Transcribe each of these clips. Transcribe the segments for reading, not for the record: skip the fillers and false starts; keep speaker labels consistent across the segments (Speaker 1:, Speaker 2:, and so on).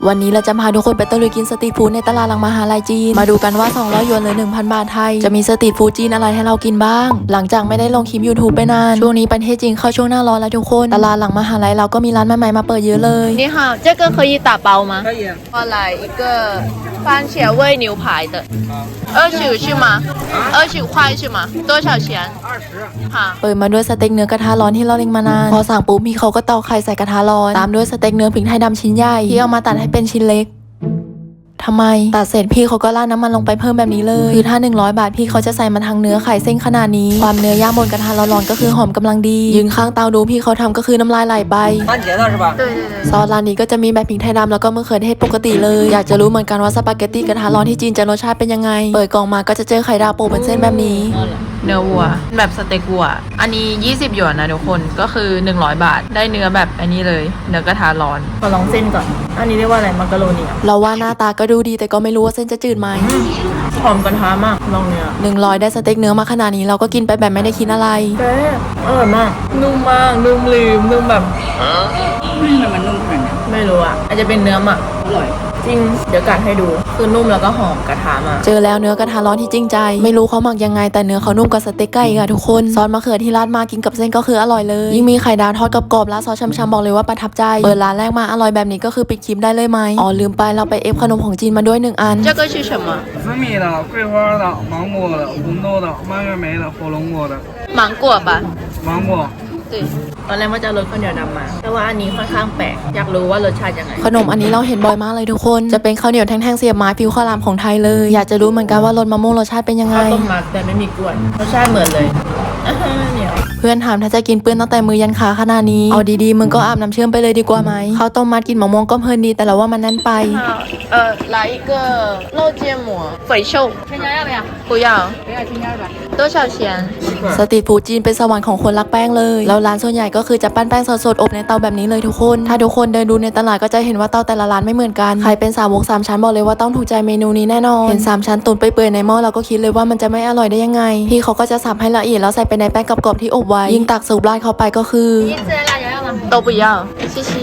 Speaker 1: วันนี้เราจะพาทุกคนไปตะลุยกินสตรีทฟู้ดในตลาดหลังมหาลัยจีนมาดูกันว่า200หยวนหรือ 1,000 บาทไทยจะมีสตรีทฟู้ดจีนอะไรให้เรากินบ้างหลังจากไม่ได้ลงคลิป YouTube ไปนานช่วงนี้ประเทศจีนเข้าช่วงหน้าร้อนแล้วทุกคนตลาดหลังมหาลัยเราก็มีร้านใหม่ๆมาเปิดเยอะเลย
Speaker 2: 你好，这个可以打包吗？
Speaker 3: 可以。
Speaker 2: 我来一个番茄味牛排的，20是吗？20块是吗？多少钱？
Speaker 3: 20。
Speaker 2: 好。
Speaker 1: เปิดมาด้วยสเต็กเนื้อกระทะร้อนที่เราเล็งมานานพอสั่งปุ๊บพี่เขาก็ตอกไข่ใส่กระทะร้อนตามด้วยสเต็กเนื้อพริกไทยดำชิ้นใหญ่ที่เอามาตัดให้เป็นชิ้นเล็กทำไมตัดเสร็จพี่เขาก็ราดน้ำมันลงไปเพิ่มแบบนี้เลยคือถ้า100 บาทพี่เขาจะใส่มาทั้งเนื้อไข่เส้นขนาดนี้ความเนื้อย่างบนกระทะร้อนๆก็คือหอมกำลังดียืนข้างเตาดูพี่เขาทำก็คือน้ำลายไหลไป
Speaker 3: 番茄的是吧？
Speaker 2: 对对对。
Speaker 1: ซอสร้านนี้ก็จะมีแบบพริกไทยดำแล้วก็มะเขือเทศปกติเลยอยากจะรู้เหมือนกันว่าสปาเกตตี้กระทะร้อนที่จีนจะรสชาติเป็นยังไงเปิดกล่องมาก็จะเจอไข่ดาวโปะเป็นเส้นแบบนี้
Speaker 2: เนื้อวัวแบบสเต็กวัวอันนี้20หยวนนะทุกคนก็คือ100 บาทได้เนื้อแบบอันนี้เลยเนื้อกระทะร้อนขอลองเส้นก่อนอันนี้เรียกว่าอะไรมักกะโรนี
Speaker 1: เราว่าหน้าตาก็ดูดีแต่ก็ไม่รู้ว่าเส้นจะจืดไหม
Speaker 2: หอมกระทะมากลองเนื้อ
Speaker 1: 100ได้สเต็กเนื้อมาขนาดนี้เราก็กินไปแบบไม่ได้คิดอะไร
Speaker 2: เป๊ะอร่อยมากนุ่มมากนุ่มลืมนุ่มแบบ
Speaker 3: ทำไมมันนุ่มขนาดนี้
Speaker 2: ไม่รู้อ่ะอาจจะเป็นเนื้อหมัก
Speaker 3: อร่อย
Speaker 2: จริงเดี๋ยวกัดให้ดูคือนุ่มแล้วก็หอมกระทะมาก
Speaker 1: เจอแล้วเนื้อกระทะร้อนที่จริงใจไม่รู้เขาหมักยังไงแต่เนื้อเขานุ่มกว่าสเต็กไก่ค่ะทุกคนซอสมะเขือที่ราดมากินกับเส้นก็คืออร่อยเลยยิ่งมีไข่ดาวทอดกรอบๆแล้วซอสช้ำๆบอกเลยว่าประทับใจเปิดร้านแรกมาอร่อยแบบนี้ก็คือปิดคลิปได้เลยไหมอ๋อลืมไปเราไปเอฟขนมของจีนมาด้วย1 อัน
Speaker 2: 这个是什么
Speaker 3: 紫米的、桂花的、芒果的、红豆的、蔓越莓的、火龙果的。
Speaker 2: 芒果吧
Speaker 3: 芒果。
Speaker 2: 对ตอนแรกว่าจะรสข้าวเหนียวดำมาแต่ว่าอันนี้ค่อนข้างแปลกอยากรู้ว่ารสชาติยังไง
Speaker 1: ขนมอันนี้เราเห็นบ่อยมากเลยทุกคนจะเป็นข้าวเหนียวแท่งๆเสียบไม้ฟิวข้าวรามของไทยเลยอยากจะรู้เหมือนกันว่ารสมะม่วงรสชาติเป็นยังไง
Speaker 2: ข้าวต้มมัดแต่ไม่มีกล้วยรสชาติเหมือนเลยเหนียว
Speaker 1: เพื่อนถามถ้าจะกินเปื้อนตั้งแต่มือยันขาขนาดนี้เอาดีๆมึงก็อาบน้ำเชื่อมไปเลยดีกว่าไหมข้าวต้มมัดกินมะม่วงก็เพลินดีแต่เราว่ามันแน่นไป
Speaker 2: 来一个肉芥末肥瘦
Speaker 4: 添加要不要？
Speaker 2: 不要
Speaker 4: 不要添加吧。
Speaker 2: 多少钱
Speaker 1: สตรีทฟู้ดจีนเป็นสวรรค์ของคนรักแป้งเลยแล้วร้านส่วนใหญ่ก็คือจะปั้นแป้งสดๆอบในเตาแบบนี้เลยทุกคนถ้าทุกคนเดินดูในตลาดก็จะเห็นว่าเตาแต่ละร้านไม่เหมือนกันใครเป็นสาวก3 ชั้นบอกเลยว่าต้องถูกใจเมนูนี้แน่นอนเห็น3 ชั้นตุ๋นเปื่อยๆในหม้อเราก็คิดเลยว่ามันจะไม่อร่อยได้ยังไงพี่เขาก็จะสับให้ละเอียดแล้วใส่ไปในแป้งกรอบๆที่อบไว้ยิ่งตักสูบราดเข้าไปก็คือ
Speaker 4: 你孜然辣椒要吗？
Speaker 2: 都不要谢谢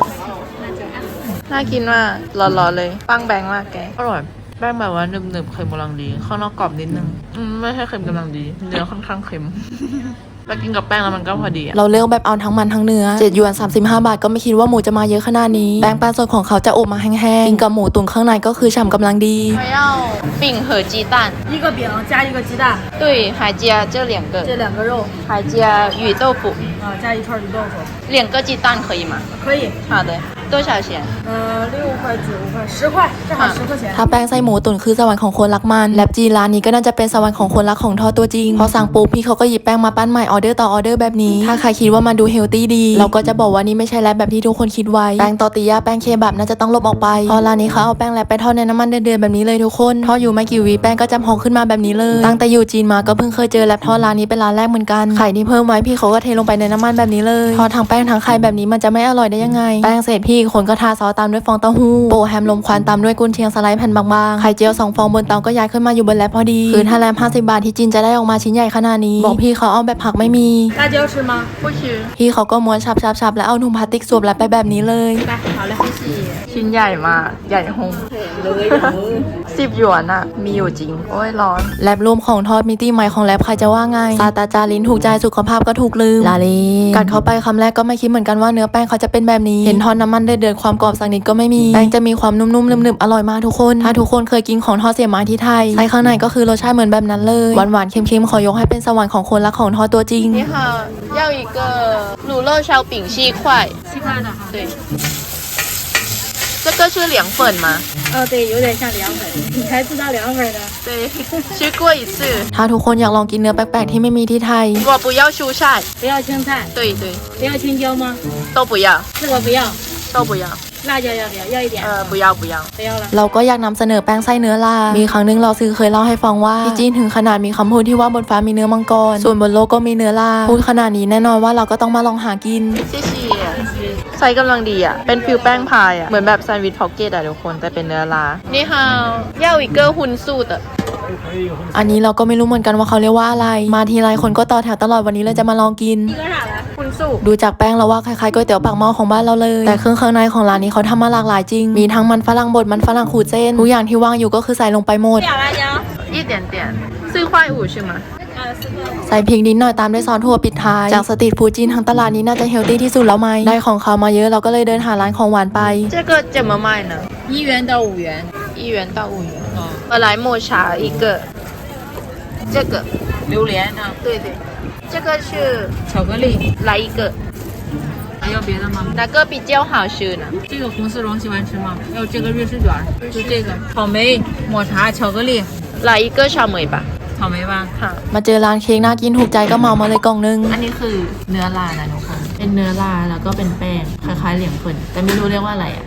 Speaker 2: น่ากินมากร้อนๆเลยปังแบงมากแกอร่อยแป้งแบบว่าหนึบๆเค็มกำลังดีข้างนอกกรอบนิดนึงไม่ใช่เค็มกำลังดีเนื้อค่อนข้างเค็มไปกินกับแป้งแล้วมันก็พอดี
Speaker 1: เราเลือกแบบเอาทั้งมันทั้งเนื้อ7หยวน35 บาทก็ไม่คิดว่าหมูจะมาเยอะขนาดนี้แป้งแป้งสดของเขาจะอบมาแห้งๆกินกับหมูตุ๋นข้างในก็คือฉ่ำกำลังดี
Speaker 2: 还要饼和鸡蛋
Speaker 4: 一个饼加一个鸡蛋，
Speaker 2: 对还加这2个
Speaker 4: 这2个肉
Speaker 2: 还加鱼豆腐
Speaker 4: 啊，加一串鱼豆腐，
Speaker 2: 2个鸡蛋可以吗
Speaker 4: 可以。
Speaker 2: 好的多少钱
Speaker 4: 6块9块10块，正好10块钱。
Speaker 1: ถ้าแป้งไส้หมูตุ๋นคือสวรรค์ของคนรักมันแลบจีร้านนี้ก็น่าจะเป็นสวรรค์ของคนรักของทอดตัวจริงพอสั่งปุ๊บพี่เขาก็หยิบแป้งมาปั้นใหม่ออเดอร์ต่อออเดอร์แบบนี้ถ้าใครคิดว่ามันดูเฮลตี้ดีเราก็จะบอกว่านี่ไม่ใช่แลบแบบที่ทุกคนคิดไว้แป้งตอร์ติญาแป้งเคบับน่าจะต้องลบออกไปพอร้านนี้เขาเอาแป้งแลบไปทอดในน้ำมันเดือดๆแบบนี้เลยทุกคนทอดอยู่ไม่กี่วิแป้งก็จะพองขึ้นมาแบบนี้เลยตั้งแต่อยู่จีนมาก็เพิ่งเคยเจอแลบทอดร้านนี้เป็นร้านแรกเหมือนกันไข่ที่เพิ่มไว้พี่เขาก็เทลงไปในน้ำมันแบบนี้เลยทอดทั้งแป้งทั้งไข่แบบนี้มันจะไม่อร่อยได้ยังไงแป้งเสร็จพี่คนก็ทาซอสตามด้วยฟองเต้าหู้โปะแฮมลมควันตามด้วยกุนเชียงสไลด์แผ่นบางๆไข่เจียว2 ฟองบนเตาก็ย้ายขึ้นมาอยู่บนแลบพอดีคือถ้าแลบ50 บาทที่จีนจะได้ออกมาชิ้นใหญ่ขนาดนี้บอกพี่เขาเอาแบบผักไม่มี
Speaker 4: 辣椒吃吗？
Speaker 2: 不吃
Speaker 1: พี่เขาก็ม้วนชับๆแล้วเอาถุงพลาสติกสวมแลบไปแบบนี้เลย
Speaker 4: 来，好嘞，谢谢。
Speaker 2: ชิ้นใหญ่มากใหญ่หง10 หยวนอะมีอยู่จริงโอ้ยร้อน
Speaker 1: แลบรวมของทอดมิติใหม่ของแลบใครจะว่าไงซาตาจาลิ้นถูกใจสุขภาพก็ถูกลืมลาเลกัดเข้าไปคำแรกก็ไม่คิดเหมือนกันว่าเนื้อแป้งเขาจะเป็นแบบนี้เห็นทอดน้ำมันเดือดๆความกรอบสักนิดก็ไม่มีแป้งจะมีความนุ่มๆนึบๆอร่อยมากทุกคนถ้าทุกคนเคยกินของทอดเสียบไม้ที่ไทยไส้ข้างในก็คือรสชาติเหมือนแบบนั้นเลยหวานๆเค็มๆขอยกให้เป็นสวรรค์ของคนรักของทอดตัวจริง
Speaker 2: 你好要一个卤肉烧饼7块
Speaker 4: 7块的哈。
Speaker 2: 对这个是凉粉吗
Speaker 4: 对，有点像凉粉，你才知道凉粉的。
Speaker 2: 对吃过一次
Speaker 1: ถ้าทุกคนอยากลองกินเนื้อแปลกๆที่ไม่มีที่ไทย
Speaker 2: 我不要蔬菜
Speaker 4: 不要青菜，
Speaker 2: 对对
Speaker 4: 不要青椒吗？
Speaker 2: 都不要
Speaker 4: 这个不要。
Speaker 2: 都不要
Speaker 4: 辣椒要不要？要一点。
Speaker 2: 不要不要
Speaker 4: 不要了。
Speaker 1: เราก็อยากนำเสนอแป้งไส้เนื้อลามีครั้งหนึงเราซื้อเคยเล่าให้ฟังว่าที่จีนถึงขนาดมีคำพูดที่ว่าบนฟ้ามีเนื้อมังกรส่วนบนโลกก็มีเนื้อลาพูดขนาดนี้แน่นอนว่าเราก็ต้องมาลองหากิน
Speaker 2: 谢谢ไซส์กำลังดีอ่ะเป็นฟิลแป้งพายอ่ะเหมือนแบบแซนด์วิชพ็อกเก็ตอ่ะทุกคนแต่เป็นเนื้อลานี่ฮาว要一个荤素的
Speaker 1: อันนี้เราก็ไม่รู้เหมือนกันว่าเขาเรียกว่าอะไรมาทีไรคนก็ต่อแถวตลอดวันนี้เลยจะมาลองกิน
Speaker 4: 一个啥的？
Speaker 2: 荤素
Speaker 1: ดูจากแป้งแล้วว่าคล้ายๆก๋วยเตี๋ยวปากหม้อของบ้านเราเลยแต่เครื่องข้างในของร้านนี้เขาทำมาหลากหลายจริงมีทั้งมันฝรั่งบดมันฝรั่งขูดเส้นทุกอย่างที่วางอยู่ก็คือใส่ลงไปหมด
Speaker 2: 一点点4.5块是吗
Speaker 1: ใส่พริกนิดหน่อยตามด้วยซอสถั่วปิดท้ายจากสตรีทฟู้ดจีนทั้งตลาดนี้น่าจะเฮลตี้ที่สุดแล้วไหมได้ของเขามาเยอะเราก็เลยเดินหาร้านของหวานไป
Speaker 2: 这个怎么卖呢
Speaker 4: 1元到5元。
Speaker 2: 1元到5元我来抹茶一个这个
Speaker 4: 榴莲啊，
Speaker 2: 对对这个是
Speaker 4: 巧克力，
Speaker 2: 来一个
Speaker 4: 还要别的吗？
Speaker 2: 哪个比较好吃呢
Speaker 4: 这个红丝绒喜欢吃吗？要这个瑞士卷，就这个草莓、抹茶、巧克力，
Speaker 2: 来一个草莓吧
Speaker 4: 草莓吧。
Speaker 2: 好
Speaker 1: มาเจอร้านเค้กน่ากินถูกใจก็เหมามาเลยกล่องนึง
Speaker 5: อันนี้คือเนื้อลานะทุกคน เป็นเนื้อลาแล้วก็เป็นแป้งคล้ายๆเหลียงเฟินแต่ไม่รู้เรียกว่าอะไรอ่ะ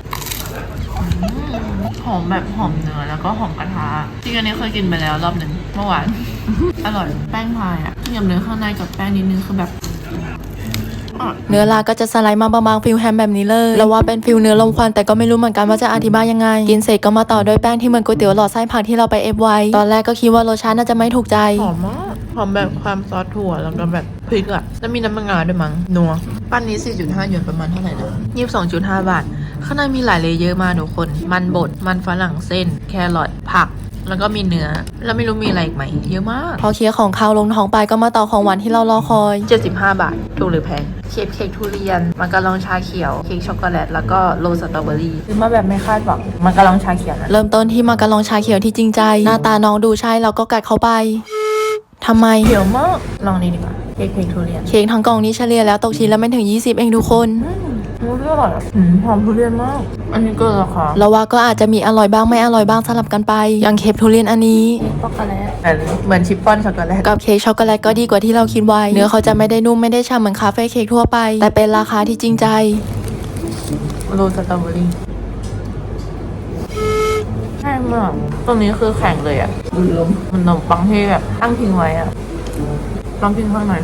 Speaker 5: หอมแบบหอมเนื้อแล้วก็หอมกระทะจริงอันนี้เคยกินไปแล้วรอบหนึ่งเมื่อวาน อร่อยแป้งพายอ่ะยำเนื้อข้างในกับแป้งนิดนึงคือแบบ
Speaker 1: เนื้อลาก็จะสไลด์มาบางๆฟิลแฮมแบบนี้เลยแล้วว่าเป็นฟิลเนื้อลมควันแต่ก็ไม่รู้เหมือนกันว่าจะอธิบายยังไงกินเสร็จก็มาต่อด้วยแป้งที่เหมือนก๋วยเตี๋ยวหลอดไส้ผักที่เราไปเอฟไว้ตอนแรกก็คิดว่ารสชาติน่าจะไม่ถูกใจ
Speaker 2: หอมมากหอมแบบความซอสถั่วแล้วก็แบบพริกอะแล้วมีน้ำมันงาด้วยมั้งนัวปั้นนี้ 4.5 หยวนประมาณเท่าไหร่นะ22.5 บาทข้างในมีหลายเลเยอร์มากทุกคนมันบดมันฝรั่งเส้นแครอทผักแล้วก็มีเนื้อแล้วไม่รู้มีอะไรอีกไหมเยอะมาก
Speaker 1: พอเคลียร์ของคาวลงท้องไปก็มาต่อของหวานที่เรารอคอย
Speaker 2: 75 บาทถูกหรือแพงเค้กทุเรียนมังกรลองชาเขียวเค้กช็อกโกแลตแล้วก็โรสสตรอเบอรี่ซื้อมาแบบไม่คาดหวังมังกรลองชาเขียวนะ
Speaker 1: เริ่มต้นที่มาการองชาเขียวที่จริงใจ หน้าตาน้องดูใช่เราก็กัดเข้าไปทำไม
Speaker 2: เขียวมากลองนี่ดีกว่าเค้กทุเรียน
Speaker 1: เค้กทั้งกล่องนี้เฉลี่ยแล้วตกชิ้นละไม่ถึง20เองทุกคน
Speaker 2: รู้เรื่องอร่อยอะหอมทุเรียนมากอันนี้เกินราคา
Speaker 1: เราว่าก็อาจจะมีอร่อยบ้างไม่อร่อยบ้างสลับกันไปอย่างเค้กทุเรียนอันนี้
Speaker 2: ช็อกโกแลตเหมือนชิปปอนช็อกโกแลต
Speaker 1: กับเค้กช็อกโกแลตก็ดีกว่าที่เราคิดไว้เนื้อเขาจะไม่ได้นุ่มไม่ได้ฉ่ำเหมือนคาเฟ่เค้กทั่วไปแต่เป็นราคาที่จริงใจ
Speaker 2: โรสสตรอเบอรี่แห้งมากตรงนี้คือแข็งเลยอะลืมมันขนมปังที่แบบตั้งทิ้งไว้อะลองกินข้างใน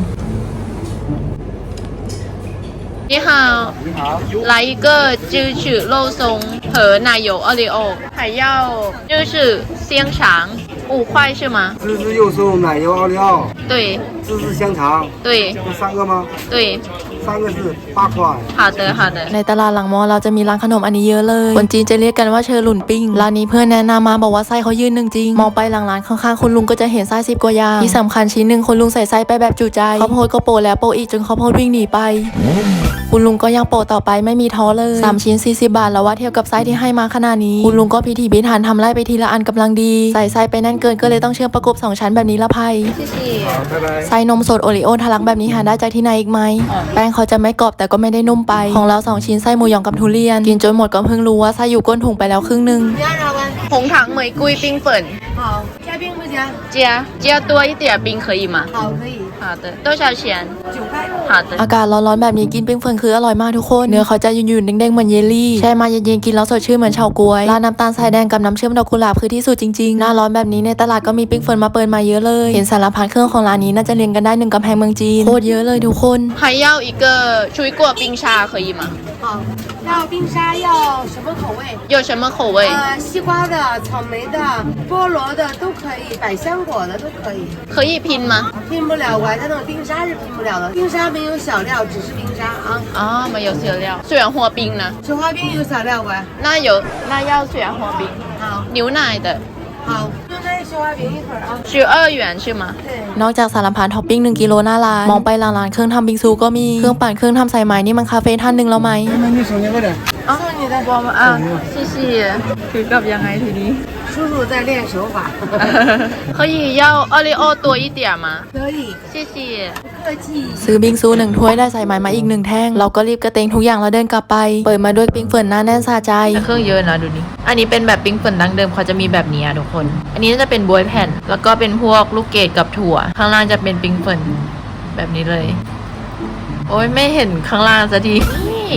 Speaker 2: 你好，来一个芝士肉松和奶油奥利奥，还要就是香肠5块是吗？
Speaker 6: 芝士肉松、奶油奥利奥、
Speaker 2: 对
Speaker 6: 芝士香肠，
Speaker 2: 对
Speaker 6: 这3个吗？
Speaker 2: 对，
Speaker 6: 3个是8块。
Speaker 2: 好的好的。
Speaker 1: ในตลาดหลังมอเราจะมีร้านขนมอันนี้เยอะเลยคนจีนจะเรียกกันว่าเชอหลุนปิ้งร้านนี้เพื่อนแนะนำมาบอกว่าไส้เขายืนหนึ่งจริงมองไปหลังร้านข้างๆคุณลุงก็จะเห็นไส้10 กว่าอย่างที่สำคัญชิ้นหนึ่งคุณลุงใส่ไส้ไปแบบจุใจข้าวโพดก็โปะแล้วโปะอีกจนข้าวโพดวิ่งหนีไป คุณลุงก็ยังโปะต่อไปไม่มีท้อเลย3ชิ้น40 บาทแล้วว่าเทียบกับไส้ที่ให้มาขนาดนี้คุณลุงก็พิถีพิถันทำไล่ไปทีละอันกำลังดีใส่ไส้ไปแน่นเกินก็เลยต้องเชื่อมประกบ2ชั้นแบบนี้ละภัย
Speaker 6: 好，拜拜。
Speaker 1: ไส้นมสดโอริโอทะลักแบบนี้หาได้จากที่ไหนอีกไหมแป้งเขาจะไม่กรอบแต่ก็ไม่ได้นุ่มไปของเรา2ชิ้นไส้หมูหยองกับทุเรียนกินจนหมดก็เพิ่งรู้ว่าไส้อยู่ก้นถุงไปแล้วครึ่งนึง
Speaker 2: 红糖玫瑰冰粉
Speaker 4: 好，加冰不加？
Speaker 2: 加多一点冰可以吗？
Speaker 4: 好，可以。
Speaker 2: 好的，多少钱？
Speaker 4: 9块。
Speaker 2: 好的。
Speaker 1: อากาศร้อนๆแบบนี้กินปิ้งเฟิร์นคืออร่อยมากทุกคนเนื้อเขาจะยุ่นๆเด้งๆเหมือนเยลลี่แช่มาเย็นๆกินแล้วสดชื่นเหมือนเฉาก๊วยราดน้ำตาลทรายแดงกับน้ำเชื่อมดอกกุหลาบคือที่สุดจริงๆหน้าร้อนแบบนี้ในตลาดก็มีปิ้งเฟิร์นมาเปิดมาเยอะเลยเห็นสารพัดเครื่องของร้านนี้น่าจะเรียงกันได้1กำแพงเมืองจีนโคตรเยอะเลยทุกคน
Speaker 2: 还要一个水果冰沙可以吗？
Speaker 4: 好，要冰沙要什么口味？
Speaker 2: 有什么口味？
Speaker 4: 西瓜的、草莓的、菠萝的都可以，百香果的都可以。
Speaker 2: 可以拼吗？
Speaker 4: 拼不了，我它那种冰沙是拼不了的。冰沙没有小料，只是冰沙啊。
Speaker 2: 啊，没有小料。水源活冰呢？
Speaker 4: 雪花冰有小料不？
Speaker 2: 那要水源活冰。
Speaker 4: 好，
Speaker 2: 牛奶的
Speaker 4: 好，就那雪花冰一会儿啊。
Speaker 2: 12元是吗？
Speaker 4: 对。
Speaker 1: นอกจากสารพัดท็อปปิ้ง1 กิโลหน้าร้านมองไปหลังร้านเครื่องทำบิงซูก็มีเครื่องปั่นเครื่องทำสายไหมนี่มันคาเฟ่ท่านหนึ่งแล้วไหม
Speaker 6: 那你手捏快点。
Speaker 2: 啊，你的我们啊，谢谢。ถือกลับยังไงทีนี้
Speaker 4: 叔叔在练手法。
Speaker 2: 可以要奥利奥多一点吗？
Speaker 4: 可以，
Speaker 2: 谢谢。
Speaker 4: 不客气。
Speaker 1: ซื้อบิงซู1 ถ้วยได้สายไหมมาอีก1 แท่งเราก็รีบกระเตงทุกอย่างแล้วเดินกลับไปเปิดมาด้วยปิ้งเฟิร์นหน้าแน่นสะใจ
Speaker 2: เครื่องเยอะนะดูนี่อันนี้เป็นแบบปิ้งเฟิร์นดั้งเดิมเขาจะมีแบบนี้อะทุกคน อันนี้จะเป็นบวยแผ่น แล้วก็เป็นพวกลูกเกดกับถั่ว ข้างล่างจะเป็นปิ้งเฟิร์นแบบนี้เลย โอ้ยไม่เห็นข้างล่างสักทีนี่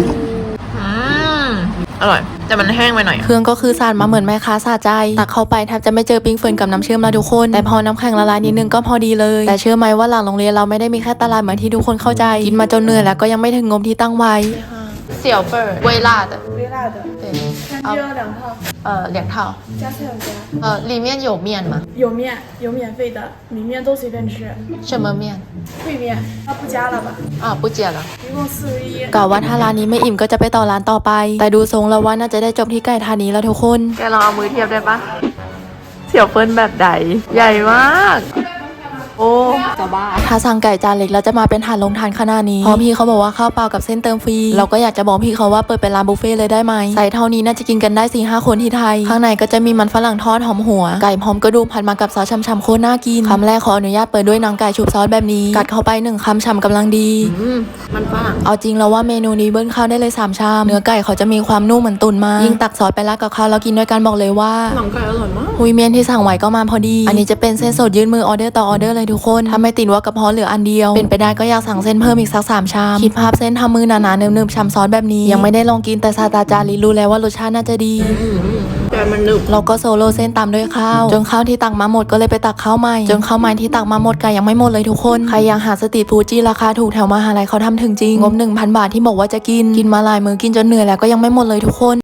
Speaker 2: อร่อย แต่มันแห้งไปหน่อย
Speaker 1: เครื่องก็คือสาดมาเหมือนแม่ค้าสะใจตักเข้าไปแทบจะไม่เจอปิ้งเฟิร์นกับน้ำเชื่อมแล้วทุกคนแต่พอน้ำแข็งละลายนิดนึงก็พอดีเลยแต่เชื่อไหมว่าหลังโรงเรียนเราไม่ได้มีแค่ตลาดเหมือนที่ทุกคนเข้าใจกินมาจนเหนื่อยแล้วก็ยังไม่ถึงงบที่ตั้งไว้
Speaker 2: 小份儿微辣的
Speaker 4: 微辣的。
Speaker 2: 对
Speaker 4: 看
Speaker 2: เอา两套
Speaker 7: 加菜有加，
Speaker 2: 里面有面吗
Speaker 7: 有面有免费的，米面都随便吃，
Speaker 2: 什么面
Speaker 7: 烩面不加了吧？
Speaker 2: 不加了
Speaker 7: 一共41。
Speaker 1: กะว่าถ้าร้านนี้ไม่อิ่มก็จะไปต่อร้านต่อไป แต่ดูทรงแล้วว่าน่าจะได้จบที่ไก่ทานนี้แล้วทุกคน
Speaker 2: แกลองเอามือเทียบได้ปะเสี่ยวเฟินแบบใดใหญ่มากโอ้จะบ้า
Speaker 1: ถ้าสั่งไก่จานเล็กแล้วจะมาเป็นถาดลงทานขนาดนี้เพราะพี่เขาบอกว่าข้าวเปล่ากับเส้นเติมฟรีเราก็อยากจะบอกพี่เขาว่าเปิดเป็นร้านบุฟเฟ่ต์เลยได้ไหมใส่เท่านี้น่าจะกินกันได้ 4-5 คนที่ไทย ข้างในก็จะมีมันฝรั่งทอดหอมหัว ไก่พร้อมกระดูกผัดมากับซอสช่ำๆโคตรน่ากินคำแรกขออนุญาตเปิดด้วยหนังไก่ชุบซอสแบบนี้กัดเข้าไป1 คำฉ่ำกำลังดี
Speaker 2: มันฝรั่ง
Speaker 1: เอาจริงแล้วว่าเมนูนี้เบิ้ลข้าวได้เลย3 ชามเนื้อไก่เขาจะมีความนุ่มเหมือนตุ๋นมายิ่งตักซอสไปราดกับข้าวแล้วกินด้วยกันบอกเลยว่า
Speaker 2: หนังไก่อร่อยมาก
Speaker 1: หุยเมียนที่สั่งไว้ก็มาพอดี อันนี้จะเป็นเส้นสดยื่นมือออเดอร์ต่อออเดอร์เลยทุกคนถ้าไม่ติดว่ากระเพาะเหลืออันเดียว เป็นไปได้ก็อยากสั่งเส้นเพิ่มอีกสัก3 ชาม คิดภาพเส้นทำมือหนาๆเนิบๆช้ำซอสแบบนี้ ยังไม่ได้ลองกินแต่ซาตาจารีรู้แล้วว่ารสชาติน่าจะดี
Speaker 2: แต่มันหนึบ
Speaker 1: เราก็โซโล่เส้นตามด้วยข้าว จนข้าวที่ตักมาหมดก็เลยไปตักข้าวใหม่ จนข้าวใหม่ที่ตักมาหมดไก่ยังไม่หมดเลยทุกคน ใครยังหาสตรีทฟู้ดที่ราคาถูกแถวมหาลัยเขาทำถึงจริง งบ 1,000 บาทที่บอกว่าจะกินมาหลายมื้อกินจนเหนื่อยแล้วก็ยังไม่หมดเลยทุกคน